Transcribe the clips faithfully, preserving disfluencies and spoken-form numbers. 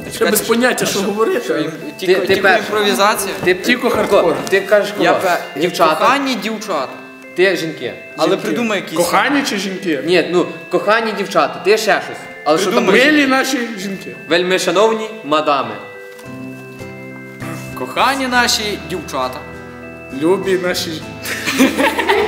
Я без поняття, що говорити. Тільки імпровізація. Тільки хардкор. Ти кажеш кого? Дівчата. Кохані дівчата. Ти жінки. Але придумай якісь. Кохані чи жінки? Ні, ну, кохані дівчата, ти ще щось. Але що там? Милі наші жінки. Вельми шановні мадами. Кохані наші дівчата. Любі наші жінки.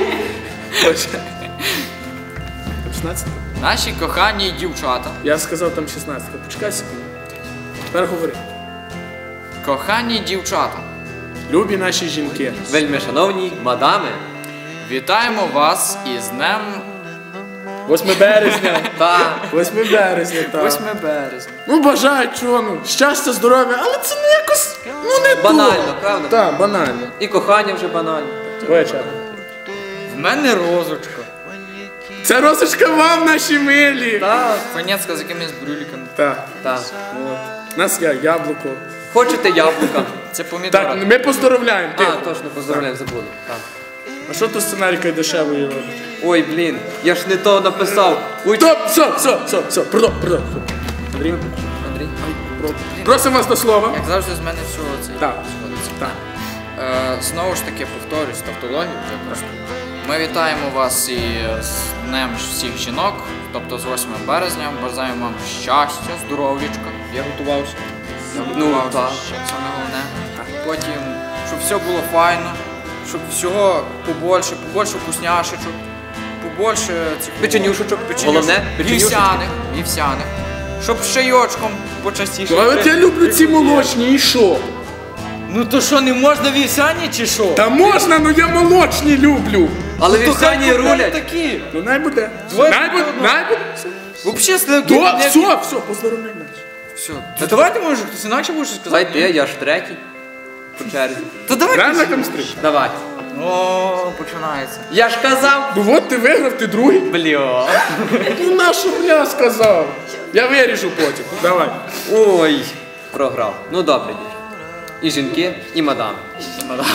шістнадцять? Наші кохані дівчата. Я сказав там шістнадцять. Почекай секунду. Тепер говори. Кохані дівчата. Любі наші жінки. Вельми шановні мадами. Вітаємо вас із днем... восьме березня. Так. восьме березня, так. восьме березня. Ну, бажаю, чого, ну, щастя, здоров'я, але це не якось, ну, не банально, то. правда? Так, банально. І кохання вже банально. Вечір. В мене розочка. Це розочка вам, наші милі. Так. Фанецька з якимись брюліками. Так. Так. У нас є яблуко. Хочете яблука? Це помідори. Так, ми поздоровляємо. А, точно, поздоровляємо, забули. Так. А що ти сценарійкою дешевою робиш? Ой, блін, я ж не то написав. Ой, Стоп, все, все, все, все, продов, продов. Андрій, Андрій. просимо вас до слова. Як завжди, з мене всього це Так. сходиться. Так. Е, знову ж таки, повторюсь, тавтологію вже просто. Ми вітаємо вас і з Днем всіх жінок, тобто з восьмим березня. Бажаємо вам щастя, здоров'ячка. Я готувався. Я готувався, ну, саме головне. Потім, щоб все було файно, щоб всього побольше, побольше вкусняшечок, побольше цих печенюшечок, головне, вівсяних, вівсяних. Щоб з чайочком почастіше. Але от я люблю ці молочні, і що? Ну то що, не можна вівсяні чи що? Та можна, ну я молочні люблю. Але вівсяні рулять. Такі. Ну най буде. Най буде, най буде. Взагалі, сливки. До, все, все, поздоровляй нас. Все. Та давайте, може, хтось інакше буде щось сказати. Давай ти, я ж третій. По черзі. Та давай. Реально камстрик? Давай. О, починається. Я ж казав. Ну от ти виграв, ти другий. Бля. Ну на що бля сказав? Я виріжу потім. Давай. Ой, програв. Ну добре, дівчата. І жінки, і мадами. І мадами.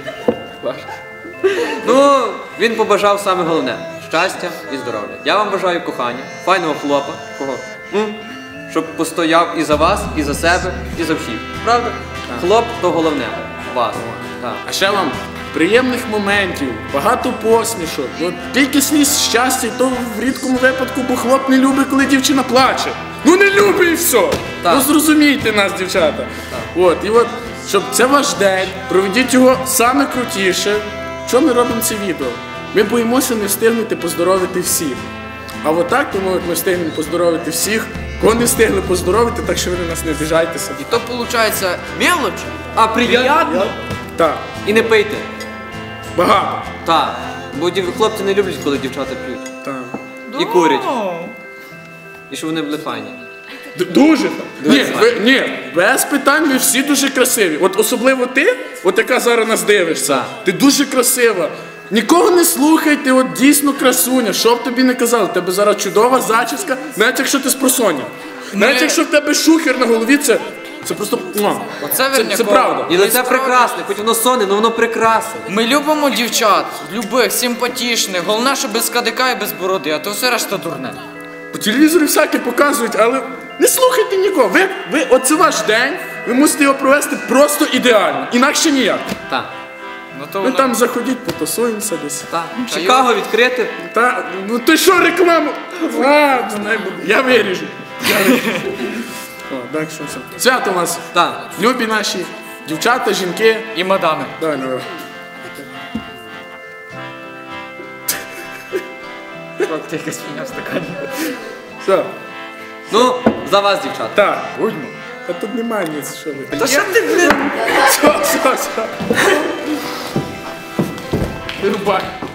Ну, він побажав саме головне. Щастя і здоров'я. Я вам бажаю кохання, файного хлопа. Кого? М? Щоб постояв і за вас, і за себе, і за всіх. Правда? Так. Хлоп то головне. Вас. Так. А ще вам приємних моментів, багато посмішок. От тільки сліз щастя, то в рідкому випадку, бо хлоп не любить, коли дівчина плаче. Ну не любить і все. Так. Ну зрозумійте нас, дівчата. Так. От, і от, щоб це ваш день, проведіть його саме крутіше. Що ми робимо це відео? Ми боїмося не встигнути поздоровити всіх. А от так, тому як ми встигнемо поздоровити всіх, кого не встигли поздоровити, так що ви на нас не обіжайтеся. І то виходить мелоч, а приємно. Так. І не пийте. Багато. Так. Бо хлопці не люблять, коли дівчата п'ють. Так. І курять. І щоб вони були файні. Дуже. Ні, ви, ні, без питань, ви всі дуже красиві. От особливо ти, от яка зараз нас дивишся, так. Ти дуже красива. Нікого не слухайте, от дійсно красуня, що б тобі не казали, в тебе зараз чудова зачіска, навіть якщо ти з просоння. Навіть якщо в тебе шухер на голові, це, це просто, Оце це, це правда. І лице прекрасне, хоч воно сонне, але воно прекрасне. Ми любимо дівчат, любих, симпатичних, головне, що без кадика і без бороди, а то все решта дурне. По телевізору всяке показують, але не слухайте нікого. Ви, ви, оце ваш день, ви мусите його провести просто ідеально, інакше ніяк. Так. Ну, то ви воно... там заходіть, потусуємося десь. Так. Чикаго відкрити. Та, ну ти що рекламу? А, я виріжу. Я виріжу. О, так що все. Свято у нас. Так. Любі наші дівчата, жінки. І мадами. Давай, давай. Ти якась фігня в стакані. Все. Ну, за вас, дівчата. Так. Будьмо. Та тут немає ніц, що ви. Та що ти, блін? Все, все, все. Вирубай.